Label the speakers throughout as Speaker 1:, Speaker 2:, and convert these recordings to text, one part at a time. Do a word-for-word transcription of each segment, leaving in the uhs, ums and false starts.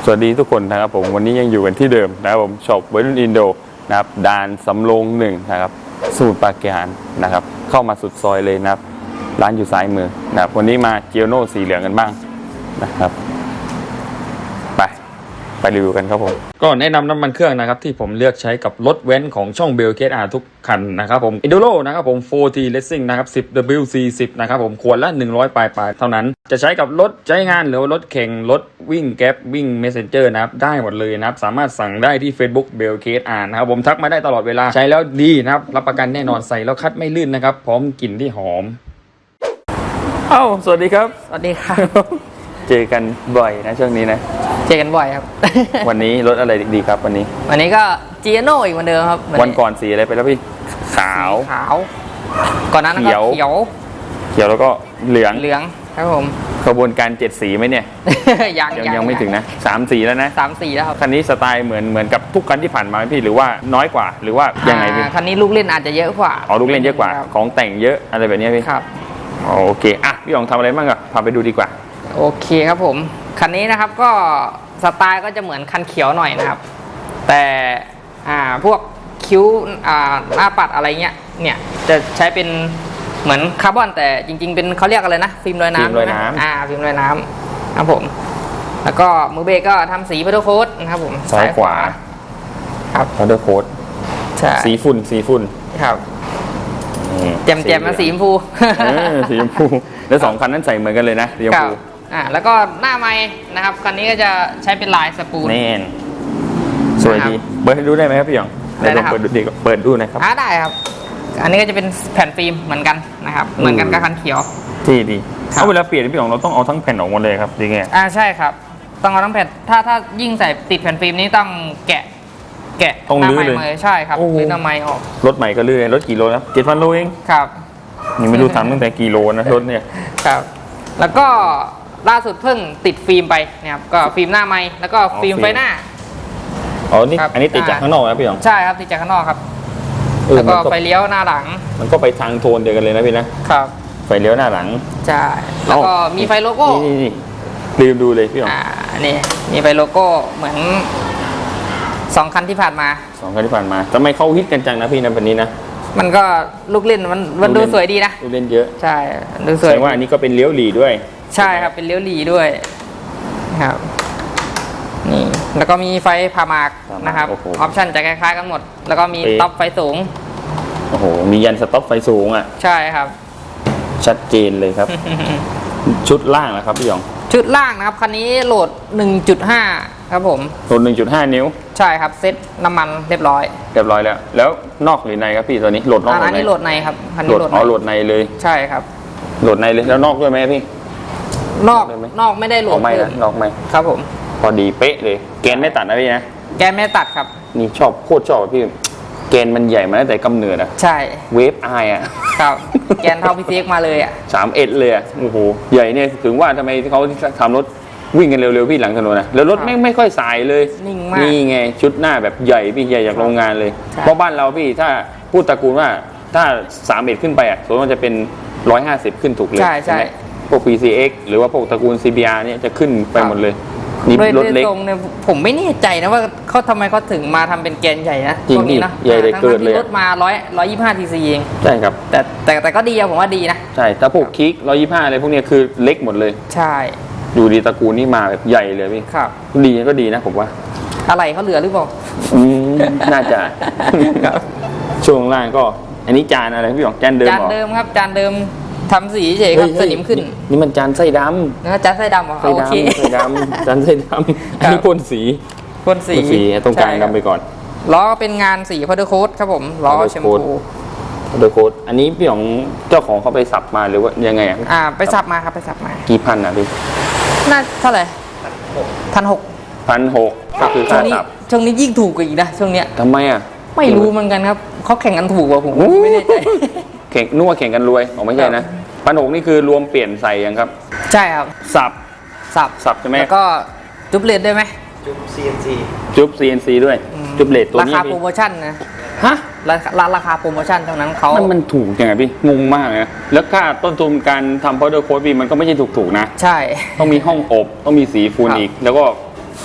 Speaker 1: สวัสดีทุกคนนะครับผมวันนี้ยังอยู่กันที่เดิมนะครับผมช็อปวัยรุ่นอินโดนะครับด่านสำโรงหนึ่งนะครับสมุทรปราการนะครับเข้ามาสุดซอยเลยนะครับร้านอยู่ซ้ายมือนะครับวันนี้มาเจียวโน่สีเหลืองกันบ้างนะครับไปไปรีวิวกันครับผมก็แนะนำน้ำมันเครื่องนะครับที่ผมเลือกใช้กับรถเว้นของช่องเบลเคสอาร์ทุกคันนะครับผม Enduro นะครับผม โฟร์ที Racing นะครับ สิบ ดับเบิลยู ซี สิบ นะครับผมขวดละหนึ่งร้อยปลายๆเท่านั้นจะใช้กับรถใช้งานหรือรถแข่งรถวิ่งแก๊ปวิ่ง Messenger นะครับได้หมดเลยนะครับสามารถสั่งได้ที่ Facebook เบลเคสอาร์นะครับผมทักมาได้ตลอดเวลาใช้แล้วดีนะครับรับประกันแน่นอนใส่แล้วคัดไม่ลื่นนะครับพร้อมกลิ่นที่หอมเอ้าสวัสดีครับ
Speaker 2: สวัสดีครับ
Speaker 1: เจอกันบ่อยนะช่วงนี้นะ
Speaker 2: เจอกันบ่อยครับ
Speaker 1: วันนี้รถอะไรดีครับวันนี้
Speaker 2: วันนี้ก็จีโน่อีกเหมือนเดิมครับ
Speaker 1: วันก่อนสีอะไรไปแล้วพี่ขาว
Speaker 2: ขาวก่อนนั้นก็เขียวเ
Speaker 1: ขียวแล้วก็เหลือง
Speaker 2: เหลืองครับผม
Speaker 1: ขบวนการเจ็ดสีไหมเนี่ย
Speaker 2: ยัง
Speaker 1: ยังยังไม่ถึงนะสามสีแล้วนะ
Speaker 2: สามสีแล้วครับ
Speaker 1: คันนี้สไตล์เหมือนเหมือนกับทุกคันที่ผ่านมาไหมพี่หรือว่าน้อยกว่าหรือว่ายังไงพี่
Speaker 2: คันนี้ลูกเล่นอาจจะเยอะกว่า
Speaker 1: อ๋อลูกเล่นเยอะกว่าของแต่งเยอะอะไรแบบนี้พี่
Speaker 2: ครับ
Speaker 1: โอเคอ่ะพี่อ๋องทำอะไรบ้างอะพาไปดูดีกว่า
Speaker 2: โอเคครับผมคันนี้นะครับก็สไตล์ก็จะเหมือนคันเขียวหน่อยนะครับแต่อ่าพวกคิ้วอ่าหน้าปัดอะไรเงี้ยเนี่ยจะใช้เป็นเหมือนคาร์บอนแต่จริงๆเป็นเขาเรียกอะไรนะฟิล์มลอยน้ำ
Speaker 1: ฟิล์มลอยน้ำ
Speaker 2: อ่าฟิล์มลอยน้ำครับผมแล้วก็มือเบรกก็ทำสีพัดโค้ดนะครับผม
Speaker 1: ซ้ายขวา
Speaker 2: ครับ
Speaker 1: พัดโค้ด
Speaker 2: ใช่
Speaker 1: สีฝุ่นสีฝุ่น
Speaker 2: ครับแจ่มแจ่มมาสีชมพู
Speaker 1: สีชมพูแล้วสองคันนั้นใส่เหมือนกันเลยนะสีชมพู
Speaker 2: อ่าแล้วก็หน้าไม้นะครับคันนี้ก็จะใช้เป็นลายสปูน
Speaker 1: แน่นสวยดีเปิดให้ดูได้ไหมครับพี่หยองได้ลองเปิดดูดีเปิดดูนะครับ
Speaker 2: อ่าได้ครับอันนี้ก็จะเป็นแผ่นฟิล์มเหมือนกันนะครับเหมือนกันกับคันเขียว
Speaker 1: ที่ดีเอาเวลาเปลี่ยนพี่หยองเราต้องเอาทั้งแผ่นออกหมดเลยครับดีไง
Speaker 2: อ่าใช่ครับต้องเอาทั้งแผ่นถ้าถ้ายิ่งใส่ติดแผ่นฟิล์มนี้ต้องแกะแกะ
Speaker 1: ต้องลื้อเลย
Speaker 2: ใช่ครับลื้อหน้าไม้ออก
Speaker 1: รถใหม่ก็ลื้อรถกี่โลนะเจ็ดพันโลเอง
Speaker 2: ครับ
Speaker 1: ยังไม่รู้ทำตั้งแต่กี่โลนะรถเนี่ย
Speaker 2: ครับแล้วก็ล่าสุดเพิ่งติดฟิล์มไปนะครับก็ฟิล์มหน้าไม้แล้วก็ฟิล์มไฟหน้า
Speaker 1: อ๋อนี่อันนี้ติดจากข้างนอกนะพี่หยอง
Speaker 2: ใช่ครับติดจากข้างนอกครับแล้วก็ไฟเลี้ยวหน้าหลัง
Speaker 1: มันก็ไปทางโทนเดียวกันเลยนะพี่นะครับไฟเลี้ยวหน้าหลัง
Speaker 2: ใช่แล้วก็มีไฟโลโก้
Speaker 1: นี่นี่ลืมดูเลยพี่หยอง
Speaker 2: อ่านี่มีไฟโลโก้เหมือนสองคันที่ผ่านมา
Speaker 1: สองคันที่ผ่านมาทำไมเขาฮิตกันจังนะพี่นะวันนี้นะ
Speaker 2: มันก็ลูกเล่นมันมันดูสวยดีนะ
Speaker 1: ลูกเล่นเยอะ
Speaker 2: ใช่ดูสวย
Speaker 1: แสดงว่าอันนี้ก็เป็นเลี้ยวหลีด้วย
Speaker 2: ใช่ครับเป็นเลี้ยวหลีด้วยครับนี่แล้วก็มีไฟผ่าหมากนะครับออปชั่นจะคล้ายๆกันหมดแล้วก็มีต็อปไฟสูง
Speaker 1: โอ้โหมียันสต็อปไฟสูงอ่ะ
Speaker 2: ใช่ครับ
Speaker 1: ชัดเจนเลยครับ ชุดล่างนะครับพี่หยอง
Speaker 2: ชุดล่างนะครับคันนี้โหลด หนึ่งจุดห้า ครับผม
Speaker 1: โหลด หนึ่งจุดห้า นิ้ว
Speaker 2: ใช่ครับเซ็ตน้ำมันเรียบร้อย
Speaker 1: เรียบร้อยแล้วแล้วนอกหรือในครับพี่ตัวนี้โหลดนอก
Speaker 2: อันนี้โหลดในครับ
Speaker 1: คันนี้โหลดอ๋อโหลดในเลย
Speaker 2: ใช่ครับ
Speaker 1: โหลดในเลยแล้วนอกด้วยไหมพี่
Speaker 2: นอกนอกไม่ได้โหลด
Speaker 1: ไม่นะนอกไม่
Speaker 2: ครับผม
Speaker 1: พอดีเป๊ะเลยแกนไม่ตัดนะพี่นะ
Speaker 2: แกนไม่ตัดครับ
Speaker 1: นี่ชอบโคตรชอบพี่แกนมันใหญ่มาตั้งแต่กำเนิดอ่ะ
Speaker 2: ใช่
Speaker 1: เวฟไออ่ะ
Speaker 2: ครับแกนเท่าพีซีเอ็กมาเลยอ่ะ
Speaker 1: สามเอ็ดเลยอ่ะโอ้โหใหญ่เนี่ยถึงว่าทำไมเขาทำรถวิ่งกันเร็วๆพี่หลังถนนนะแล้วรถไม่ไม่ค่อยสายเลย
Speaker 2: นิ่งมาก
Speaker 1: นี่ไงชุดหน้าแบบใหญ่พี่ใหญ่จากโรงงานเลยเพราะบ้านเราพี่ถ้าพูดตระกูลว่าถ้าสามเอ็ดขึ้นไปอ่ะส่วนมันจะเป็นร้อยห้าสิบขึ้นถูกเลย
Speaker 2: ใช่ใช่
Speaker 1: พวก พี ซี เอ็กซ์ หรือว่าพวกตระกูล ซี บี อาร์ เนี่ยจะขึ้นไปหมดเลย
Speaker 2: นี่รถเล็กเนี่ยผมไม่แน่ใจนะว่าเขาทำไมเขาถึงมาทำเป็นแกนใหญ่นะ
Speaker 1: จริงนี่นะใหญ่เลยเกินเลย
Speaker 2: รถมาร้อยร้อยยี่สิบห้าทีซีเอง
Speaker 1: ใช่ครับ
Speaker 2: แต่แต่แต่ก็ดีอะผมว่าดีนะ
Speaker 1: ใช่ถ้าพวกคิกร้อยยี่สิบห้าอะไรพวกนี้คือเล็กหมดเลย
Speaker 2: ใช่
Speaker 1: ดูดีตระกูลนี่มาแบบใหญ่เลยพี่
Speaker 2: ครับ
Speaker 1: ดีก็ดีนะผมว่า
Speaker 2: อะไรเขาเหลือหรือเปล่า
Speaker 1: อืมน่าจะช่วงล่างก็อันนี้จานอะไรพี่หยองจานเดิม
Speaker 2: จานเดิมครับจานเดิมทำสีเฉยครับสนิมขึ้น
Speaker 1: นี่มันจานไส้ดำ
Speaker 2: นะจานไส้ดำเหรอ
Speaker 1: ไส้ดำไส้ดำจานไส้ดำอันนี้พ่นสี
Speaker 2: พ่นสี
Speaker 1: สีตรงกลางดำไปก่อน
Speaker 2: ล้อเป็นงานสีพาวเดอร์โค้ดครับผมล้อแชมพู
Speaker 1: พาวเดอร์โค้ดอันนี้พี่ของเจ้าของเขาไปสับมาหรือว่ายังไง
Speaker 2: อ่าไปสับมาครับไปสับมา
Speaker 1: กี่พันอ่ะพี่
Speaker 2: น่าเท่าไหร่พันหก
Speaker 1: พันหกก็คือค่าสับ
Speaker 2: ช่วงนี้ยิ่งถูกกว่าอีกนะช่วงเนี้ย
Speaker 1: ทำไมอ่ะ
Speaker 2: ไม่รู้เหมือนกันครับเขาแข่งกันถูกกว่าผมไม่แน่ใจ
Speaker 1: แข่งนัวแข่งกันรวยอ๋อไม่ใช่นะพันหกนี่คือรวมเปลี่ยนใส่ยังครับ
Speaker 2: ใช่ครับ
Speaker 1: สับ
Speaker 2: สับ
Speaker 1: สับใช่ไหม
Speaker 2: แล้วก็จุ๊บเลดได้ไหม
Speaker 3: จุ๊บ ซี เอ็น ซี
Speaker 1: จุ๊บ ซี เอ็น ซี ด้วยจุ๊บเลดตัวนี้
Speaker 2: ราคาโปรโมชั่นนะ
Speaker 1: ฮะ
Speaker 2: ราคาราคาโปรโมชั่นเท่านั้นเขา
Speaker 1: มันมันถูกยังไงพี่งงมากนะแล้วค่าต้นทุนการทำพาวเดอร์โค้ดพี่มันก็ไม่ใช่ถูกๆนะ
Speaker 2: ใช่
Speaker 1: ต้องมีห้องอบต้องมีสีฟูนอีกแล้วก็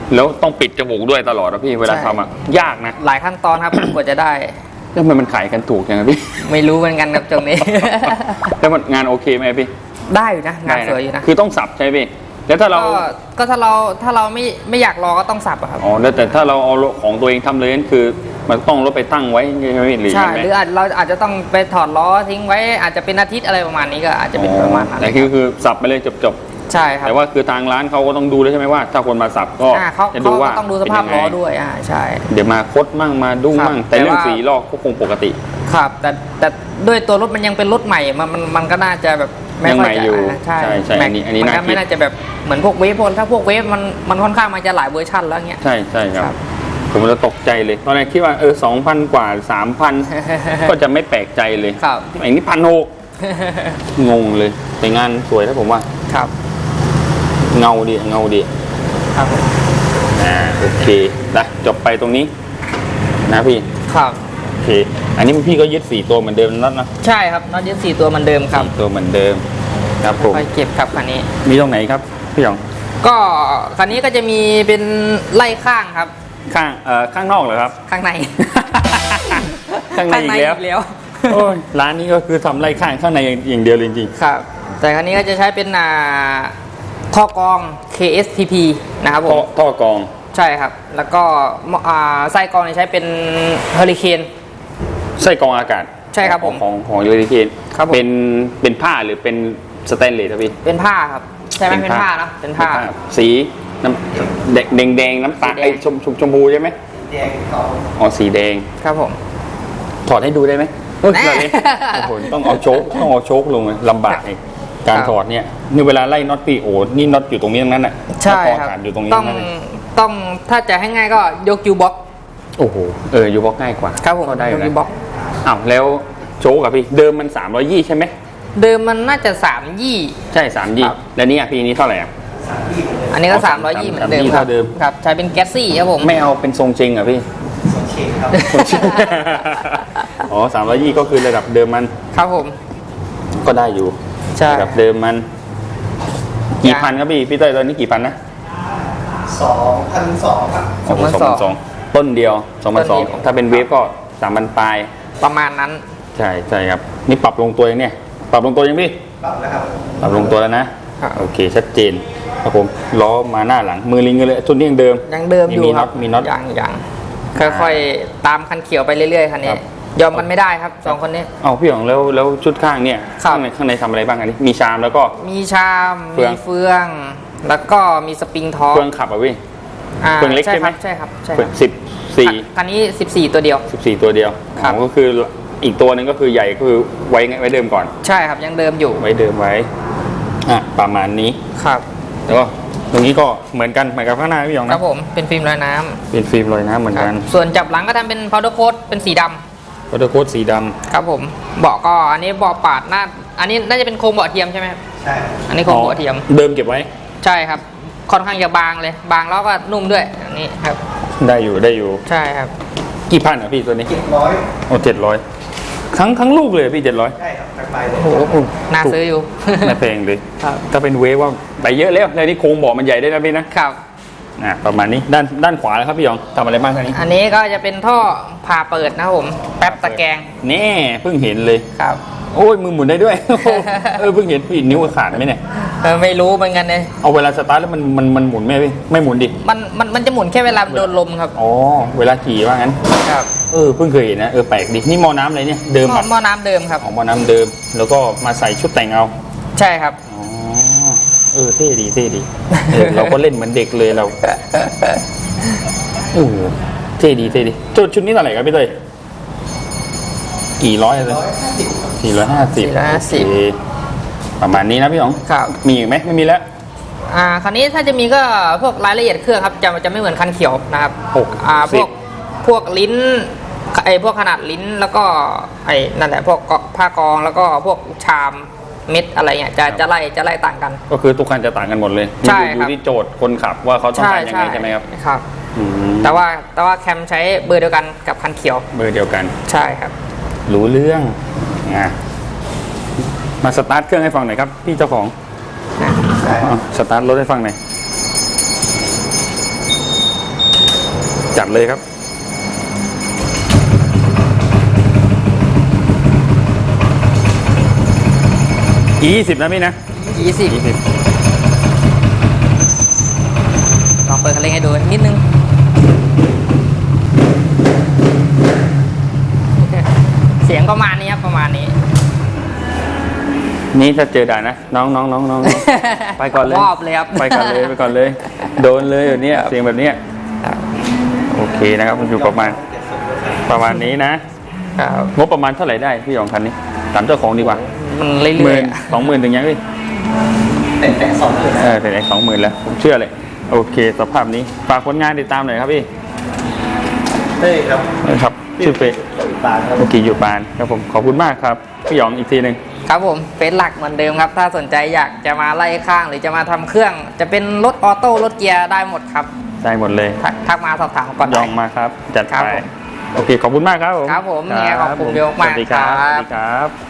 Speaker 1: แล้วต้องปิดจมูกด้วยตลอดนะพี่เวลาทำอ่ะยากนะ
Speaker 2: หลายขั้นตอนครับ กว่าจะได้
Speaker 1: แล้วทำไมมันขายกันถูกอย่างพี่
Speaker 2: ไม่รู้เหมือนกันครับตรงนี้
Speaker 1: แล้วมันงานโอเคไหมพี่
Speaker 2: ได้อยู่นะงานสวยอยู่นะ
Speaker 1: คือต้องสับใช่ไหมพี่แล้วถ้าเรา
Speaker 2: ก็ก็ถ้าเราถ้าเราไม่ไม่อยากรอก็ต้องสับอะครับ
Speaker 1: อ๋อแล้วแต่ถ้าเราเอาของตัวเองทำเลยนั่นคือมันต้องรถไปตั้งไว้ใช่ไหมพี่หรือ
Speaker 2: ใช่
Speaker 1: ยังไง
Speaker 2: หรืออาจเราอาจจะต้องไปถอดล้อทิ้งไว้อาจจะเป็นอาทิตย์อะไรประมาณนี้ก็อาจจะเป็นประมาณนั้น
Speaker 1: แต่คือคือสับไปเลยจบ
Speaker 2: ใช่ค
Speaker 1: ๆ
Speaker 2: รับ
Speaker 1: แต่ว่าคือทางร้านเขาก็ต้องดูด้วยใช่ไหมว่า ถ้าคนมาสับก็
Speaker 2: อ่าเขา
Speaker 1: จะ
Speaker 2: เขา
Speaker 1: ดู
Speaker 2: ก็
Speaker 1: ว่า
Speaker 2: ต้องดูสภาพ
Speaker 1: เป็น
Speaker 2: ล้
Speaker 1: ยั
Speaker 2: อง
Speaker 1: ไง
Speaker 2: ด้วยอ่าใช่
Speaker 1: เดี๋ยวมาคดมั่งมาดุ้ง
Speaker 2: ครับ
Speaker 1: มั่งแต่
Speaker 2: แต่
Speaker 1: เรื่อง
Speaker 2: ว่า
Speaker 1: สีลอกก็คงปกติ
Speaker 2: ครับแต่แต่ด้วยตัวรถมันยังเป็นรถใหม่มันมันมันก็น่าจะแบบไม่
Speaker 1: ยัง
Speaker 2: ค่
Speaker 1: ให
Speaker 2: อย
Speaker 1: ม่
Speaker 2: จะ
Speaker 1: อยู่
Speaker 2: อ่าใช่
Speaker 1: ใช่ใช่
Speaker 2: แม็ก
Speaker 1: อันนี้อันนี้
Speaker 2: มัน
Speaker 1: น่า
Speaker 2: ก็
Speaker 1: คิ
Speaker 2: ไม่
Speaker 1: ด
Speaker 2: น่าจะแบบเหมือนพวกเวฟพวกถ้าพวกเวฟมันมันค่อนข้างมันจะหลายเวอร์ชันแล้วเงี้ย
Speaker 1: ใช่ใช่ค
Speaker 2: ครั
Speaker 1: รับบ ผมจะตกใจเลยตอนแรกคิดว่าเออสองพันกว่าสามพัน ก็จะไม่แปลกใจเลย
Speaker 2: ครับ
Speaker 1: ไอ้นี่พันหกงงเลยแต่งานสวยนะผมว่า
Speaker 2: ครับ
Speaker 1: เงาดีเงาดี
Speaker 2: ครับผม
Speaker 1: อ่าโอเคนะจบไปตรงนี้นะพี่
Speaker 2: ครับ
Speaker 1: โอเคอันนี้พี่ก็ยึดสี่ตัวเหมือนเดิมนั่นนะ
Speaker 2: ใช่ครับน็อตยึดสี่ตัวเหมือนเดิมครับ
Speaker 1: สี่ตัวเหมือนเดิมครับผม
Speaker 2: ไปเก็บครับคันนี้
Speaker 1: มีตรงไหนครับพี่หยอง
Speaker 2: ก็คันนี้ก็จะมีเป็นไล่ข้างครับ
Speaker 1: ข้างเอ่อข้างนอกเหรอครับ
Speaker 2: ข้างใน
Speaker 1: ข้างในอีกแล้ว
Speaker 2: แล้ว
Speaker 1: โอ้ยร้านนี้ก็คือทำไล่ข้างข้างในอย่างเดียวเลยจริง
Speaker 2: ครับ แต่คันนี้ก็จะใช้เป็นอ่าท่อกรอง เค เอส ที พี นะครับ
Speaker 1: ๆ
Speaker 2: ผ
Speaker 1: ท่อ
Speaker 2: ม
Speaker 1: ท่อกรอง
Speaker 2: ใช่ครับ แล้วก็อ่าไส้กรองเนี่ยใช้เป็นเฮอริเคน
Speaker 1: ไส้กรองอากาศ
Speaker 2: ใช่ครับผม
Speaker 1: ของของยูริเคน
Speaker 2: ครับผม
Speaker 1: เป็นเป็นผ้าหรือเป็นสแตนเลสครับพี่
Speaker 2: เป็นผ้าครับ ใช่ไหมเป็นผ้าเนอะเป็นผ้า
Speaker 1: สีน้ำแดงแดงๆน้ำตาล
Speaker 2: สีแดง
Speaker 1: ไอ้ชมชมชมพูใช่ไหม
Speaker 2: แดงเขา
Speaker 1: อ๋อสีแดง
Speaker 2: ครับผม
Speaker 1: ถอดให้ดูได้ไหมเฮ้ย
Speaker 2: แน่
Speaker 1: อะไรเนี่ยโอ้โหต้องเอาโชคต้องเอาโชคลงเลยลำบากเองการ
Speaker 2: ครับ
Speaker 1: ถอดเนี่ยนี่เวลาไล่น็อตพี่โอ้นี่น็อตอยู่ตรงนี้ทั้งนั้นอ่ะ
Speaker 2: ใช่
Speaker 1: น็อต
Speaker 2: ค
Speaker 1: อา
Speaker 2: รับ
Speaker 1: กาศอยู่ตรงนี้
Speaker 2: ต้อง
Speaker 1: ทั้งนั้นเลย
Speaker 2: ต้องถ้าจะให้ง่ายก็ยกยูบ็อก
Speaker 1: โอ้โหเออยูบ็อกง่ายกว่า
Speaker 2: ครับผม
Speaker 1: ก็ได้อย ยู่
Speaker 2: ก
Speaker 1: นะ
Speaker 2: ยูบ็อก
Speaker 1: อ้าวแล้วโชคกับพี่เดิมมันสามร้อยยี่ใช่ไหม
Speaker 2: เดิมมันน่าจะสามยี่
Speaker 1: ใช่สามยี่
Speaker 2: ครับ
Speaker 1: แล้วนี่อ่ะพี่นี้เท่าไหร่อ่ะ
Speaker 2: อันนี้ก็
Speaker 1: อ๋อ
Speaker 2: สามร้อยยี่เหมือนเดิม
Speaker 1: สามยี่
Speaker 2: ครับ
Speaker 1: เท่าเดิม
Speaker 2: ครับใช้เป็นแก๊สซี่ครับผม
Speaker 1: ไม่เอาเป็นทรงจริงเหรอ่ะพี่ อ๋อสามร้อยยี่ก็คือระดับเดิมมัน
Speaker 2: ครับผม
Speaker 1: ก็ได้อยู่
Speaker 2: ใช่
Speaker 1: ระดับเดิมมัน กี่พันครับพี่พี่เต้ยตอนนี้กี่พันนะ
Speaker 3: สองพันสองครับ
Speaker 1: สองพันสองต้นเดียวสองพันสองถ้าเป็นเวฟก็สามพันปลาย
Speaker 2: ประมาณนั้น
Speaker 1: ใช่ใช่ครับ นี่ปรับลงตัวยังเนี่ย ปรับลงตัวยังพี่
Speaker 3: ปรับแล้วครับ
Speaker 1: ปรับลงตัวแล้วนะครับ โอเคชัดเจนครับผมล้อมาหน้าหลังมือลิงกันเลยทุนนี้ยังเดิม
Speaker 2: ยังเดิมอยู่
Speaker 1: มี
Speaker 2: ค
Speaker 1: น็
Speaker 2: รั
Speaker 1: อบ ตมีน็อต
Speaker 2: ยังยังค่อยๆตามคันเขียวไปเรื่อยๆคันนี้
Speaker 1: ครับ
Speaker 2: ยอมกันไม่ได้ครับสองคนนี้
Speaker 1: เอาพี่หยองแล้วแล้วชุดข้างเนี่ย
Speaker 2: ครับ
Speaker 1: ข้างในข้างในทำอะไรบ้างอันนี้มีชามแล้วก็
Speaker 2: มีชาม
Speaker 1: เฟื
Speaker 2: มี
Speaker 1: อง
Speaker 2: เฟือง แล้วก็มีสปริงท็อป
Speaker 1: เครื่องขับอ่ะพี่
Speaker 2: อ่า
Speaker 1: เฟืองเล็กใช่ไหม
Speaker 2: ใช่ครับใช่ครับ
Speaker 1: สิบสี่
Speaker 2: คันนี้สิบสี่ตัวเดียว
Speaker 1: สิบสี่ตัวเดียว
Speaker 2: ครับ
Speaker 1: อ๋อก็คืออีกตัวหนึงก็คือใหญ่ก็คือไว้ไงไว้เดิมก่อน
Speaker 2: ใช่ครับยังเดิมอยู่
Speaker 1: ไว้เดิมไว้อ่ะประมาณนี้
Speaker 2: ครับ
Speaker 1: แล้วก็ตรงนี้ก็เหมือนกันเหมือนกับข้างหน้าพี่หยอง
Speaker 2: ค
Speaker 1: นะ
Speaker 2: รับผมเป็นฟิล์มลอยน้ำ
Speaker 1: เป็นฟิล์มลอยน้ำเหมือน
Speaker 2: ครับ
Speaker 1: กัน
Speaker 2: ส่วนจับหลังก็ทำเป็น powder coat เป็นสีดำ
Speaker 1: วัตเตอร์โค้ดสีด
Speaker 2: ครับผมเบาะก็อันนี้เบาะปาดหน้าอันนี้น่าจะเป็นโครงเบาะเทียมใช่ไหมครับ
Speaker 3: ใช่
Speaker 2: อันนี้
Speaker 1: ำ
Speaker 2: โครงเบาะเทียม
Speaker 1: เดิมเก็บไว้
Speaker 2: ใช่ครับ ค่อนข้างจะบางเลย บางแล้วก็นุ่มด้วยอันนี้ครับ
Speaker 1: ได้อยู่ได้อยู่
Speaker 2: ใช่ครับ
Speaker 1: กี่พันอ่ะพี่ตัวนี้
Speaker 3: เจ็ดร้อย
Speaker 1: โอ้เจ็ดร้อยทั้งทั้งลูกเลยพี่เจ็ดร้อย
Speaker 3: ใช่ครับจากไปเลย
Speaker 2: โอ้โหน่าซื้ออยู่
Speaker 1: ไม่แพงเลย
Speaker 2: ครับ
Speaker 1: ถ้าเป็นเวฟว่าไปเยอะแล้วแล้วนี่โครงเบาะมันใหญ่ได้นะพี่นะครับ อ่ะประมาณนี้ด้านด้านขวาแล้วครับพี่หยองทำอะไรบ้างท่านี้
Speaker 2: อันนี้ก็จะเป็นท่อผ่าเปิดนะครับผม แป๊บตะแกรง
Speaker 1: แน่เพิ่งเห็นเลย
Speaker 2: ครับ
Speaker 1: โอ้ยมือหมุนได้ด้วย เออเพิ่งเห็นพี่นิ้วขาดไหมเนี่ย
Speaker 2: เออไม่รู้เหมือนกันเลย
Speaker 1: เอาเวลาสตาร์ทแล้วมันมันมันหมุนไหมพี่ไม่หมุนดิ
Speaker 2: มันมันมันจะหมุนแค่เวลาโดนลมครับ
Speaker 1: อ๋อเวลาขี่ว่างั้น
Speaker 2: ครับ
Speaker 1: เออเพิ่งเคยเห็นนะเออแปลกดินี่หมอน้ำอะไรเนี่ยเดิม
Speaker 2: หม้อ
Speaker 1: อ่ะ
Speaker 2: หม้อน้ำเดิมครับ
Speaker 1: ของหมอน้ำเดิม แล้วก็มาใส่ชุดแต่งเอา
Speaker 2: ใช่ครับ
Speaker 1: อ๋อเออเท่ดีเท่ดีเออเราก็เล่นเหมือนเด็กเลยเราโอ้โหเท่ดีเท่ดีชุดชุดนี้เท่าไหร่ครับพี่เต้ยกี่ร้อยเลย
Speaker 3: ร้อยห้าสิบ
Speaker 1: สี่ร้อยห้าสิบ
Speaker 2: สี่ร้อยห้าสิบ
Speaker 1: ประมาณนี้นะพี่หยอง
Speaker 2: ครับ
Speaker 1: มีอีกไหมไม่มีแล้ว
Speaker 2: อ่าคันนี้ถ้าจะมีก็พวกรายละเอียดเครื่องครับจะจะไม่เหมือนคันเขียวนะครับ
Speaker 1: หก
Speaker 2: อ่าพ
Speaker 1: สิ
Speaker 2: ว
Speaker 1: บ
Speaker 2: กพวกลิ้นไอพวกขนาดลิ้นแล้วก็ไอนั่นแหละพวกกผ้ากองแล้วก็พวกชามเม็ดอะไรเงี้ยจะจะไล่จะไล่ต่างกัน
Speaker 1: ก็คือทุกคันจะต่างกันหมดเลย
Speaker 2: ใช่
Speaker 1: อยู่
Speaker 2: ครับ
Speaker 1: ที่โจทย์คนขับว่าเขาต้องการยังไงใช่ไหมครับ
Speaker 2: ครับ
Speaker 1: อืม
Speaker 2: แต่ว่าแต่ว่าแคมใช้เบอร์เดียวกันกับคันเขียว
Speaker 1: เบอร์เดียวกัน
Speaker 2: ใช่ครับ
Speaker 1: รู้เรื่องอ่ะมาสตาร์ทเครื่องให้ฟังหน่อยครับพี่เจ้าของ
Speaker 2: นะ
Speaker 3: ใช่
Speaker 1: อ่ะสตาร์ทรถให้ฟังหน่อยจัดเลยครับยี่สิบนะพี่นะ
Speaker 2: ยี่สิบ
Speaker 1: ยี่สิบ
Speaker 2: ลองเปิดคันเร่งให้ดูนิดนึง เสียงประมาณนี้ครับประมาณนี้
Speaker 1: นี่ถ้าเจอด่านนะน้องน้องน้องน้องน้อง ไปก่อนเลย
Speaker 2: มอบเลยครับ
Speaker 1: ไปก่อนเลยไปก่อนเลย โดนเลยแบบเนี้ยเสียงแบบเนี้ย
Speaker 2: ครับ
Speaker 1: โอเคนะครับมันอยู่ประมาณประมาณนี้นะ
Speaker 2: ครับ
Speaker 1: งบประมาณเท่าไหร่ได้พี่หยองคันนี้ถามเจ้าของดีกว่า
Speaker 2: มันเรื่
Speaker 1: ห
Speaker 2: อ
Speaker 1: มื่
Speaker 2: ย
Speaker 1: น
Speaker 2: ๆอะ
Speaker 1: สองหมื่นถึงยังพี่
Speaker 3: แต่แต่สองหมื่น
Speaker 1: เออถึงไอ้สองหมื่นแล้วผมเชื่อเลยโอเคสภาพนี้ฝากผลงานติดตามหน่อยครับพี่
Speaker 3: เฮ้ยครับ
Speaker 1: นะครับชื่อเฟซ
Speaker 3: ปานครับ
Speaker 1: เมื่อกี้อยู่ปานครับผมขอบคุณมากครับพี่หยองอีกทีหนึ่ง
Speaker 2: ครับผมเฟซหลักเหมือนเดิมครับ ถ้าสนใจอยากจะมาไล่ข้างหรือจะมาทำเครื่อง จะเป็นรถออโต้รถเกียร์ได้หมดครับ
Speaker 1: ได้หมดเลย
Speaker 2: ทักทักมาสอบถามก่อน
Speaker 1: ย
Speaker 2: ได้
Speaker 1: องมาครับจัด
Speaker 2: ครับ
Speaker 1: ไป
Speaker 2: ผม
Speaker 1: โอเคขอบคุณมากครับผม
Speaker 2: ครับผมเนี่ยขอบคุณเยอะมาก
Speaker 1: สวัสดีครับ
Speaker 2: ครับ
Speaker 1: สวัสดีครับ